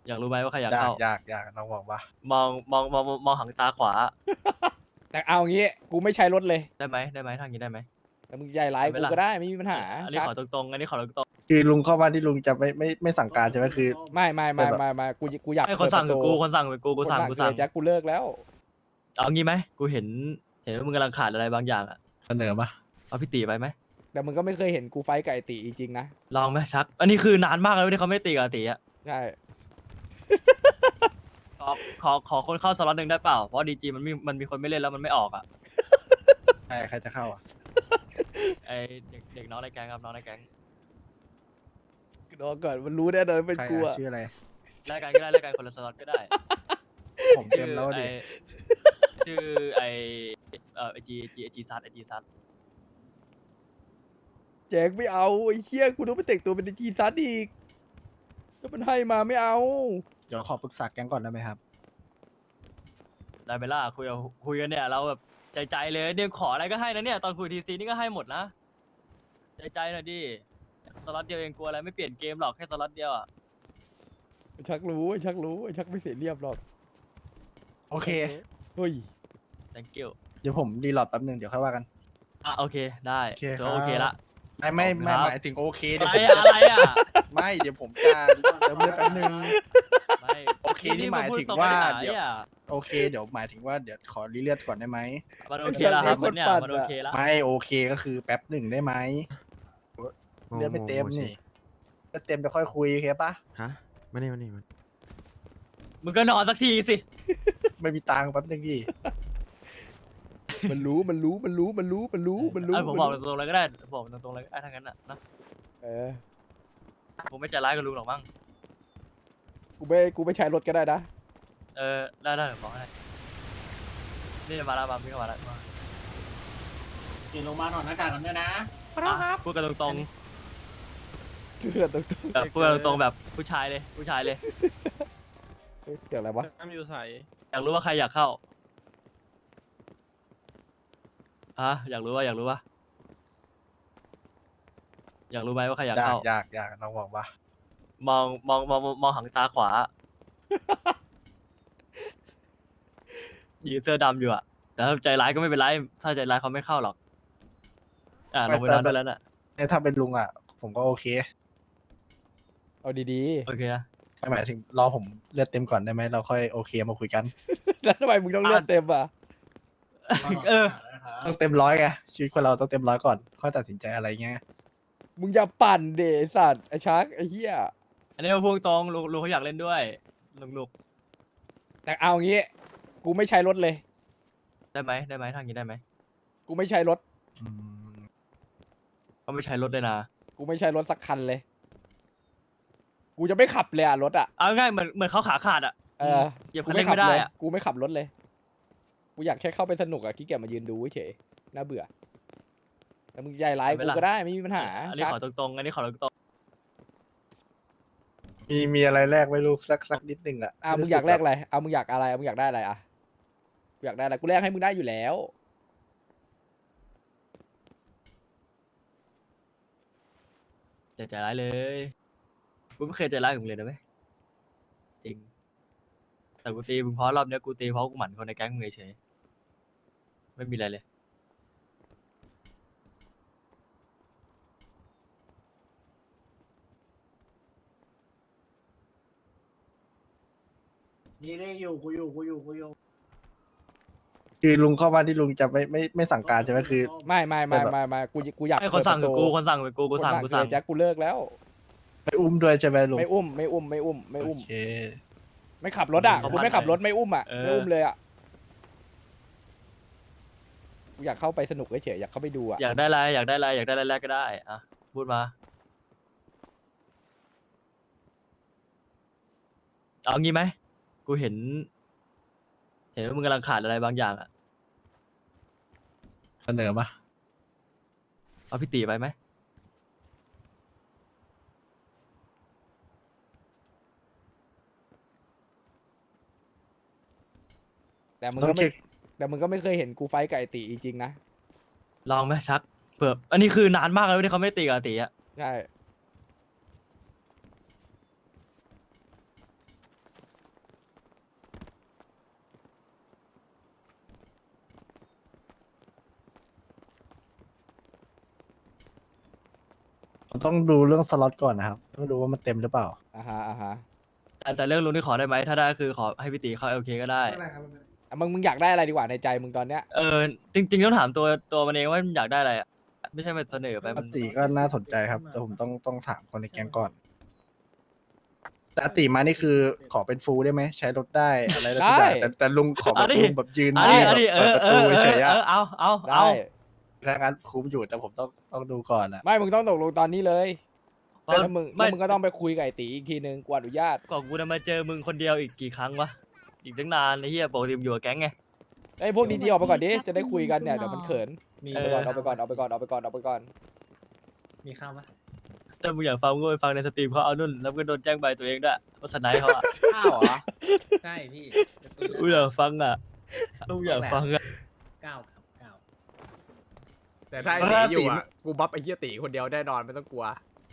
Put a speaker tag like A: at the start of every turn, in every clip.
A: อยากรู้ไหมว่าใครอยาก
B: อยาก
A: เข้า
B: อยากลองบอกว่
A: มองหางตาขวา
C: แต่เอางี้กูไม่ใช้รถเลย
A: ได้ไหมทางนี้ได้ไหม
C: แต่มึงใจร้าย
A: ได้ไหมล่ะ
C: กูก็ได้ไม่มีปัญหา
A: อันนี้
C: ชัก
A: ขอตรงๆอันนี้ขอตรง
B: คือลุงเข้าบ้านที่ลุงจะไม่สั่งการใช่ไหมคือ
C: ไม่กูอยาก
A: ๆให้คนสั่ง
C: เปิ
A: คือ
C: ด
A: กู
C: ประตู
A: คนสั่งคือกูสั่ง
C: เลยแจ็คกูเลิกแล้ว
A: เอางี้ไหมกูเห็นว่ามึงกำลังขาดอะไรบางอย่างอะ
B: เสนอมา
A: เอาพี่ตีไปไหม
C: แต่มึงก็ไม่เคยเห็นกูไฟท์กับไอตีจริงๆนะ
A: ลองไหมชัก อันนี้คือนานมากแล้วที่เขาไม่ตีกับอาตีอะ
C: ใช่
A: ขอคนเข้าสล็อตหนึ่งได้เปล่าเพราะดีจีมันมีคนไม่เล่นแล้วมันไม่ออกอะ
B: ใครจะเข้าอ่ะ
A: ไอเด็กน้องในแก๊งครับน้องในแก๊ง
C: รอก่อนมันรู้แน่นอนเป็น
B: ใคร
C: กู
B: อ่ะ
C: อะ
B: ชื่ออะไร
A: แลกกันก็ได้แลกกันคนละสล็อตก็ได้
B: ผมเต็มแล้วดิ
A: ชื่อไอไอจีซัด
C: แจ็คไม่เอาไอ้เหี้ยกูต้องไปแต่งตัวเป็นจีซัสอีกถ้ามันให้มาไม่เอา
B: เดี๋ยวขอปรึกษาแก๊งก่อนได้ไหมครับ
A: ได้ไหมล่ะคุยกันเนี่ยเราแบบใจเลยเนี่ยขออะไรก็ให้นะเนี่ยตอนคุยทีซีนี่ก็ให้หมดนะใจหน่อยดิสล็อตเดียวเองกลัวอะไรไม่เปลี่ยนเกมหรอกแค่สล็อตเดียวอ่ะ
C: ไอ้ชักรู้ไอ้ชักไม่เสียเรียบหรอก
B: โอเค
C: เฮ้ย
A: thank you
B: เดี๋ยวผมรีโหลดแป๊บนึงเดี๋ยวค่อยว่ากัน
A: อ่ะโอเคได้
B: โอเค
A: ถือ
B: ครับ
A: ว่าโอเคละ
B: ไม่
A: ขอบคุณครับ
B: หมายถึงโอเคเดี๋ยว
A: อะไรอ่ะ
B: ไม่เดี๋ยวผมจะเติมเลือดแป๊บนึง
A: ไม่
B: โอเคนี่หมายถึงว่าเดี๋ยว
A: นี่
B: โอเคเดี๋ยวหมายถึงว่าเดี๋ยวขอรีเลือดก่อนได้ไหม
A: มันโอเคแล้วครับมันเนี่ยมันโอเคแล้ว
B: ไม่โอเคก็คือแป๊บหนึ่งได้ไหมเลือดไม่เต็มนี่เลือดเต็มจะค่อยคุยโอเคปะ
D: ฮะมานี่
A: มึงก็นอนสักทีสิ
B: ไม่มีตังค์แป๊บนึงพี่
C: มันรู้
A: ผมบอกตรงๆเลยก็ได้บอกตรงๆเลยก็ได้ทั้งนั้นอ่ะนะ
C: เออ
A: ผมไม่ใจร้ายกับลุงหรอกมั้ง
C: กูไม่ใช้รถก็ได้นะ
A: ได้เดี๋ยวบอกให้นี่มาแล้วพี่ก็มาแล้วมา
E: กินลงมาถอดหน้ากากกันด้วยนะ
A: พูดกันตรง
C: เกิดตรง
A: ๆแบบพูดกันตรงๆแบบผู้ชายเลย
C: เกิดอะไรวะ
E: น้ำอยู่ใส
A: อยากรู้ว่าใครอยากเข้าอยากรู้ไหมว่าใครอยากเข้า
B: อยากลองบอกว่า
A: มองหางตาขวา ยืนเสื้อดำอยู่อะแต่ถ้าใจร้ายก็ไม่เป็นไรถ้าใจร้ายเขาไม่เข้าหรอกลงไปนอนได้แล้วน่ะ
B: ถ้าเป็นลุงอ่ะ ผมก็โอเค
C: เอาดี
A: โอเคนะ
B: หมายถึงรอผมเลือดเต็มก่อนได้ไหมเราค่อยโอเคมาคุยกัน
C: ๆแล้วทำไมมึงต้องเลือดเต็มอ่ะ
A: เออ
B: ต้องเต็มร้อยไงชีวิตคนเราต้องเต็มร้อยก่อนค่อยตัดสินใจอะไรเงี้ย
C: มึงอย่าปั่นเดไอ้สัตว์ไอ้ชักไอ้เหี้ย
A: อันนี้มาพูดตรงลุงเขาอยากเล่นด้วยลุง
C: แต่เอางี้กูไม่ใช้รถเลย
A: ได้ไหมทางนี้ได้ไหม
C: กูไม่ใช้รถ
B: อืม
A: เขาไม่ใช้รถเลยนะ
C: กูไม่ใช้รถสักคันเลย กูจะไม่ขับเลยอะรถอะ
A: เอาง่ายเหมือนเขาขาขาดอะ
C: เออ
A: เหยียบคันเร่งไม่ได้อะ
C: กูไม่ขับรถเลย กูอยากแค่เข้าไปสนุกอะขี้เกียจมายืนดูเฉยน่าเบื่อแต่มึงใจร้ายกูก็ได้ไม่มีปัญหา
A: อันนี้
C: ชัก
A: ขอตรงๆอันนี้ขอตรง
B: มีอะไรแรกไหม่รู้สักนิดนึงอ่ะ
C: มึงอยากแลกอะไรมึงอยากอะไรมึงอยากได้อะไรอะกูอยากได้อะไรกูแลกให้มึงได้อยู่แล้ว
A: ๆใจร้ายเลยกูไม่เคยใจร้ายกับมึงเลยนะเว้ยจริงแต่กูตีมึงเพราะรอบเนี้ยกูตีเพราะกูหมั่นคนในแก๊งมึงเฉยๆไม่มีอะไรเลย
E: นี่ได้อยู่กูอยู่
B: คือลุงเข้าบ้านที่ลุงจะไม่สั่งการใช่ไหมคือ
C: ไม่กูอยาก
A: ให้คนสั่งคือ
C: เปิดประตู
A: กูคนสั่งคือกูสั่ง
C: เลยแจ็คกูเลิกแล้ว
B: ไม่อุ้มด้วยใช่ไหมลุง
C: ไม่อุ้ม
B: โอเค
C: ไม่ขับรถอะกูไม่ขับรถไม่อุ้มอะไม่อุ้มเลยอะกูอยากเข้าไปสนุกเฉยๆอยากเข้าไปดูอะ
A: อยากได้อะไรแรกก็ได้อะพูดมาเอางี้ไหมกูเห็นว่ามึงกำลังขาดอะไรบางอย่างอะ
B: เสนอมา
A: เอาพี่ตีไปไหม
C: แต่มึง
B: ต้อ
C: ก็
B: ง
C: ไม่
B: เช็ค
C: แต่มึงก็ไม่เคยเห็นกูไฟท์กับไอตีจริงๆนะ
A: ลองไหมชักเผื่ออันนี้คือนานมากแล้วที่เขาไม่ตีกับอาตีอะ
C: ใช่
B: ผมต้องดูเรื่องสล็อตก่อนนะครับต้องดูว่ามันเต็มหรือเปล่า
C: อ่าฮะอ่าฮะ
A: แต่เรื่องลุงที่ขอได้ไหมถ้าได้คือขอให้พี่ตีเข้าโอเคก็ได้
C: อ่ะมึงอยากได้อะไรดีกว่าในใจมึงตอนเนี้ย
A: จริงๆต้องถามตัวมันเองว่ามันอยากได้อะไรอะไม่ใช่มันเสนอไป
B: ป
A: มั
B: ก
A: น
B: ติก็น่าสนใจครับ แต่ผมต้องถามคนในแก๊งก่อน แต่อติมานี่คือขอเป็นฟูลได้ไหมใช้รถได้อะไรได้ทุกอย่างแต่ลุงขอแบบลุงแบบยืน
A: อันนี้
B: แบบ
A: เอ
B: เปิด
A: อ
B: ประตูเฉยๆอะ
A: เอา
C: ได้
B: ถ้างั้นคุ้มอยู่แต่ผมต้องดูก่อนอะ
C: ไม่มึงต้องตกลงตอนนี้เลยแล้วมึง
A: ไม่
C: ก็ต้องไปคุยกับไอ้ตีอีกทีนึงกว่าอนุญาต
A: ก่อนกูจะมาเจอมึงคนเดียวอีกกี่ครั้งวะอีกตั้งนานไอ้เหี้ยปกติมึงอยู่กับแก๊งไง
C: ไอ้ยพวกดีๆออกไปก่อนดิจะได้คุยกันเนี่ยเดี๋ยวมันเขิน
E: มี
C: เอาไปก่อนเอาไปก่อนเอาไปก่อนเอาไปก่อน
E: มีข้าวปะ
A: ถ้ามึงอยากฟังมึงก็ไปฟังในสตรีมเขาเอานุ่นแล้วมึงก็โดนแจ้งใบตัวเองด้วยว่าสไนป์เขาอะ
E: ข้าวเหรอใช่พี่
A: กูอยากฟังอะกูอยากฟังอะ
E: 9ครับ9
C: แต่ถ้าไอ้ตีอยู่อ่ะกูบัฟไอ้เหี้ยตีคนเดียวแน่นอนไม่ต้องกลัว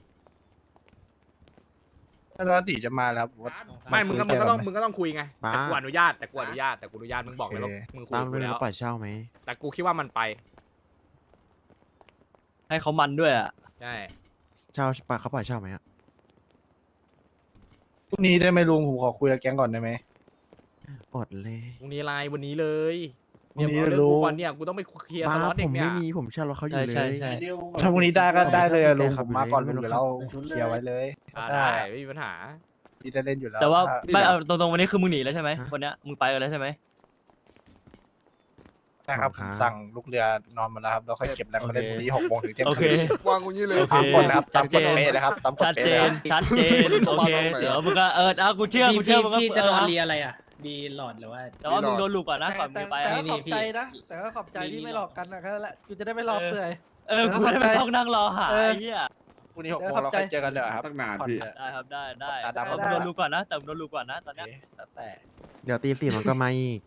B: ถ้าอติจะมาแล้วผมว่า
C: ไม่มึงก็
B: คุยกัน
C: มึงก็ต้องคุยไง
D: มา
C: แต่กูอนุญาตมึงบอกเลยว่า
B: โอเค
C: มึงคุย
D: ตาม
C: กับ
D: เรื่
C: กู
D: อง
C: แล้ว
D: ปล่อยเช่าไหม
C: แต่กูคิดว่ามันไป
A: ให้เขามันด้วยอะ
C: ใช่
D: เช่าปะเขาปล่อยเช่าไหมอ่ะ
B: พรุ่งนี้ได้ไหมลุงผมขอคุยกับแก๊งก่อนได้ไหม
D: อดเลย
C: พรุ่งนี้ไลน์วันนี้เลย
B: พรุ่
C: เนี่ย
B: งนี้
C: เอาเรื่อง
B: รู้
C: กูก่อนเนี่ยกูต้องไปเคลียร์ส
D: มา
C: ล็อตเอ
D: ผ
C: ง
D: ม
C: เนี่ย
D: ไม่มีผมเช่ารถเขาอยู่เลย
A: ใช่
B: ถ้าพรุ่งนี้ได้ก็ได้เลยอะลุง
D: ได้ค
B: ผ
D: รับ
B: มมาก่อน
D: ไม่
B: ลุง
D: รู้
B: เดี๋ยวเรา
D: ครับ
B: เคลียร์ไว้เลย
C: ได้
B: ได้
C: ไม่มีปัญหา
B: พี่ได้เล่นอยู่แล้ว
A: แต่ว่า
B: ถ้
A: ไม่เอาตรงๆวันนี้คือมึงหนีแล้วใช่ไหม
D: ฮะ
A: วันเนี้ยมึงไปกันแล้วใช่ไหม
B: นะครับ
D: ครับ
B: สั่งลูกเรือนอนมาแล้วครับแล้วค่อยเก็บแรงมาเล่นพรุ่งนี้6 โมงถึงเที่ยง
A: โอเค
B: คืน
F: วางกูงี้เลย
A: โอเค
B: ตามกฎนะครับตามกฎเป๊ะนะครับตามกฎ
A: ชัด
B: เป๊ะ
A: เจ
B: นะ
A: น
B: ครับ
A: ชัดเจนโอเคเดี๋ยวมึงก็เอากูเชื่อมึงก็
E: พี่จะ
A: เอ
E: โด
A: อน
E: เรียอะไรอ่ะ ดีหลอดหรือว่า
A: แต่ว่ามึงโดนลูกก่อนนะก่อนมึงไป
G: แต่
A: อะ
G: ก็
E: นี่
G: ขอบ
E: พี่
G: ใจนะ แต่ก็ขอบใจที่ไม่หลอกกันนะแค่นั้นแหละกูจะได้ไม่หลอกเปื่อย
A: กูได้ไม่ต้องนั่งรอหา
G: เออ
A: ไอ้เหี้ย
B: พรุ่งนี้6 โมงเราค่อยเจอกันเลยครับ
F: ตั้งนาน
B: ผ่อน
F: พี่
B: เถอะ
A: ได้ครับได้
B: ตาดำ
A: แต่มึงโดนลูกก่อนนะแต่มึงโดนลูกก่อนนะตอน
B: โอ
A: เนี้ย
B: เคแล้วแต่
D: เดี๋ยวตีสี่มันก็มาอีก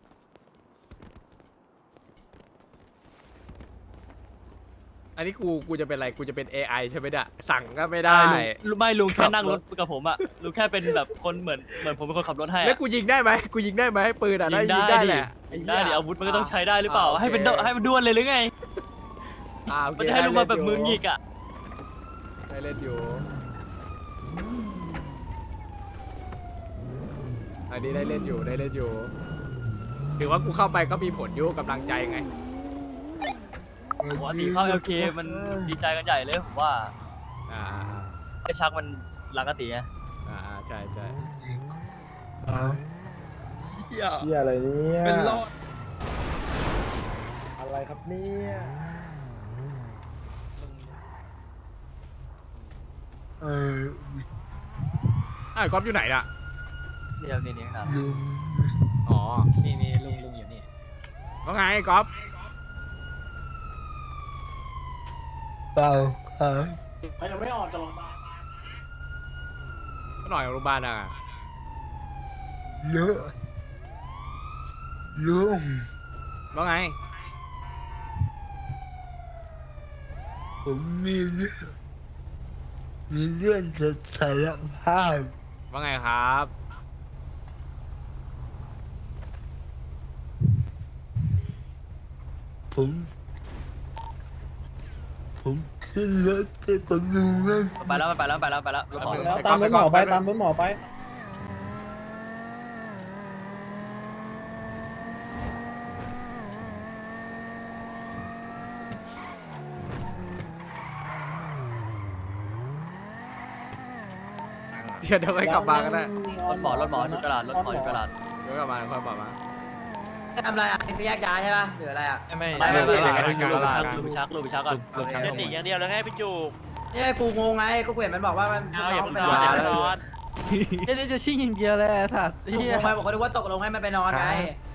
C: อันนี้กูจะเป็นอะไรกูจะเป็น AI ใช่ไหมเนี่ยสั่งก็ไม่ได้
A: ไม่ลุงแค่นั่งรถกับผมอะลุงแค่เป็นแบบคนเหมือนผมเป็นคนขับรถให้
C: แล้ว
A: อะ
C: กูยิงได้ไหมปืนอ่ะได้ยิง
A: ได้
C: ได้
A: ดิ
C: แหละ
A: ยิงได้ดิอาวุธมันก็ต้องใช้ได้หรือเปล่า
C: โค
A: ให้มันด้วนเลยหรือไง
C: โอเค
A: มันจะให้ลุงมาแบบมือหงิกอะ
C: ได้เล่นอยู่อันนี้ได้เล่นอยู่ถือว่ากูเข้าไปก็มีผลอยุ่กำลังใจไง
A: ปกติเข้า LK มันดีใจกันใหญ่เลยผมว่า
C: อ่า
A: ไอ้ชักมันรักกติไง
C: ใช่
B: เชี่ยอะไรเนี่ย
C: เป็นรอด
B: อะไรครับเนี่ย
C: ไอ้ก๊อฟอยู่ไหนน่ะ
A: นี่ครับ
C: อ๋อ
E: นี่ลุงอยู่นี่
C: ว่าไงก๊อฟ
F: เปล่าครับ
E: เขายังไม่ออกจากโรงพยาบาล
C: ก็หน่อยโรงพยาบาลอ่ะ
F: เยอะลุง
C: ว่าไง
F: ผมมีเรื่องจะสารภาพ
C: ว่าไงครับ
F: ผมขึ้นรถไปกับลุงแล้ว
A: ไปแล้วรถหมอ
C: แล้วตามรถหมอไปตามรถหมอไป เดี๋ยวไปกลับมากันนะ
A: รถหมออยู่ตลาดรถหมออยู่ตลาด
C: เดี๋ยวกลับมาค่อยบอกมา
H: ทำอะไรอ่ะเป็นแยกย้ายใช่ป่ะหรืออะไรอ่ะ
A: ไม่ลูกไปชักก่อน
H: จะตีอย่างเดียวแล้วไงพี่จูเนี่ยกูงงไงก็กูเห็นมันบอกว่ามันเอาอย่าไปนอน
G: เอ้ยนี่จะชิ่งอย่างเดียวเลยไอ้สัตว์
H: กู
G: เฮี
H: ง
G: ย
H: งไปบอกเขาดูว่าตกลงให้มันไปนอนไง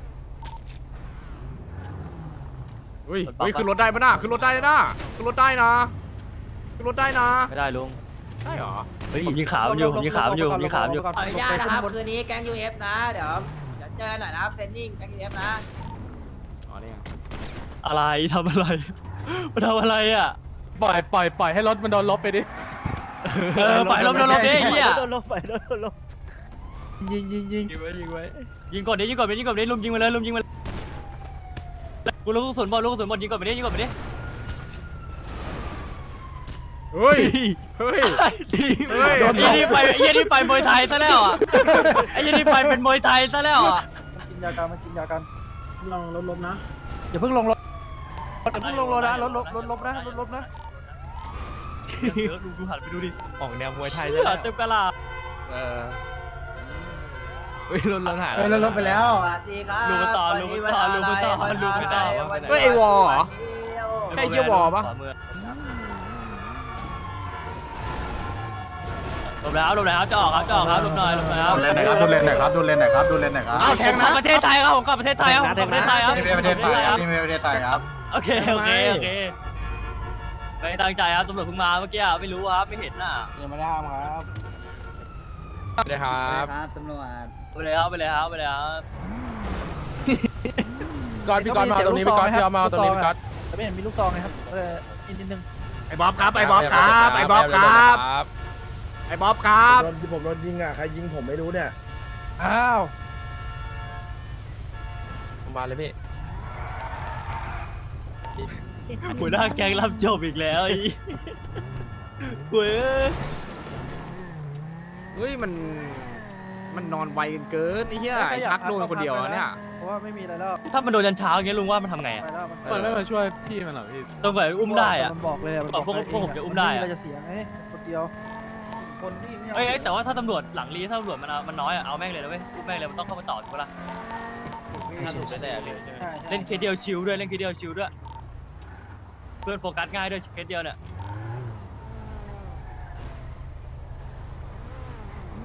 C: อุ้ยขึ้นรถได้ปะน่ะขึ้นรถได้นะขึ้นรถได้นะขึ้นรถได้นะ
A: ไม่ได้ลุง
C: ได้เหรอ
A: เฮ้ยผมยิงขามันอยู่
H: ขออนุญาตนะครับคืนนี้แก๊ง UF นะเดี๋ยวเจอหน่อยนะเฟนนิ่งแก๊ง UF นะ
C: อ๋อนี่ไง
A: อะไรทำอะไรมันทำอะไรอ่ะ
G: ปล่อยให้รถมันโดนลบไปดิ
A: ปล่อยลมดิเฮีย
B: โดนลบไปโดนลบยิง
A: ยิงไว้ยิงก่อนดิลุมยิงมาเลยกูลูกกระสุนหมดยิงก่อนไปดิ
C: เฮ้ยเฮ้ย
A: ไอ้ยี่นี่ไปมวยไทยซะแล้วอ่ะไอ้ยี่นี่ไปเป็นมวยไทยซะแล้วอ่ะ
G: กินยากันมากินยากัน
E: ลองลดนะ
G: อย่าเพิ่งลงรถอย่าเพิ่งลงรถนะรถลบนะรถลบนะ
A: ดูหันไปดูดิ
C: ออกแนวมวยไทย
A: เลื
C: ใช่ไหม
A: อดเต็มกระลา
C: เออเฮ้ยรถหาย
E: เฮ้ยเราลดไปแล้ว
H: สวัสดีครับ
A: ลูกต่อ
C: เฮ้ยไอวอลเหรอ ใช่เหี้ยวอปะ
A: หลบแล้วจะออกครับหลบหน่อยครับ
B: ดูเลนหน่อยครับดูเลนหน่อยครับดูเลนหน่อยครับดูเลนหน่อยครับอ้าวแทงนะ
A: ประเทศไทยครับผมกลับประเทศไทยครับ
B: นี่ไม่ประเทศไทยครับนี่ไม่ประเทศไทยครับ
A: โอเคไม่ตั้งใจครับตำรวจเพิ่งมาเมื่อกี้ไม่รู้ครับไม่เห็นน่ะ
B: ยังไม่ได้ห้ามครับ
C: สวัสดีครับ
H: ครับตำรวจ
A: ไปเลยครับ
C: ก่อนพี่ก่อนมาเอาตรงนี้พี่ก่อนพี่เอามาเอาตรงนี้พี่ก่อน
G: แต่ไม่เห็นมีลูกซองเลยครับนิดนึง
E: ไอ้บ๊อบครับไอ้บ๊อบครับไอ้บ๊อบครับไอ้บ๊อบครับ
B: ผมโดนยิงอ่ะใครยิงผมไม่รู้เนี่ย
G: อ้าว
C: มาเลยพี่
A: หัวหน้าแก๊งรับจบอีกแล้วอีเว้ย
C: เฮ้ยมันนอนไวเกินไอ้เหี้ยไอ้ชักโดนคนเดียวอะเนี่ย
G: เพราะว่าไม่มีอะไรแล้ว
A: ถ้ามันโดนยันเช้าอย่างเงี้ยลุงว่ามันทำไง
G: ไปแล้วมัน
C: มันไม่มาช่วย
A: ต้องไปอุ้มได้อะ
G: มันบอกเลยอะ
A: พวกผมจะอุ้มได้อะ
G: เราจะเสียไงคนเดียวคนที่ไม่
A: เอ้ยแต่ว่าถ้าตำรวจหลังรีถ้าตำรวจมันน้อยอะเอาแม่งเลยนะเว้ยอุ้มแม่งเลยมันต้องเข้ามาต่อถูกปะล่ะเล่นเคสเดียวชิลด้วยเพื่อนโฟกัสง่ายด้วยเคสเดียวเนี่ย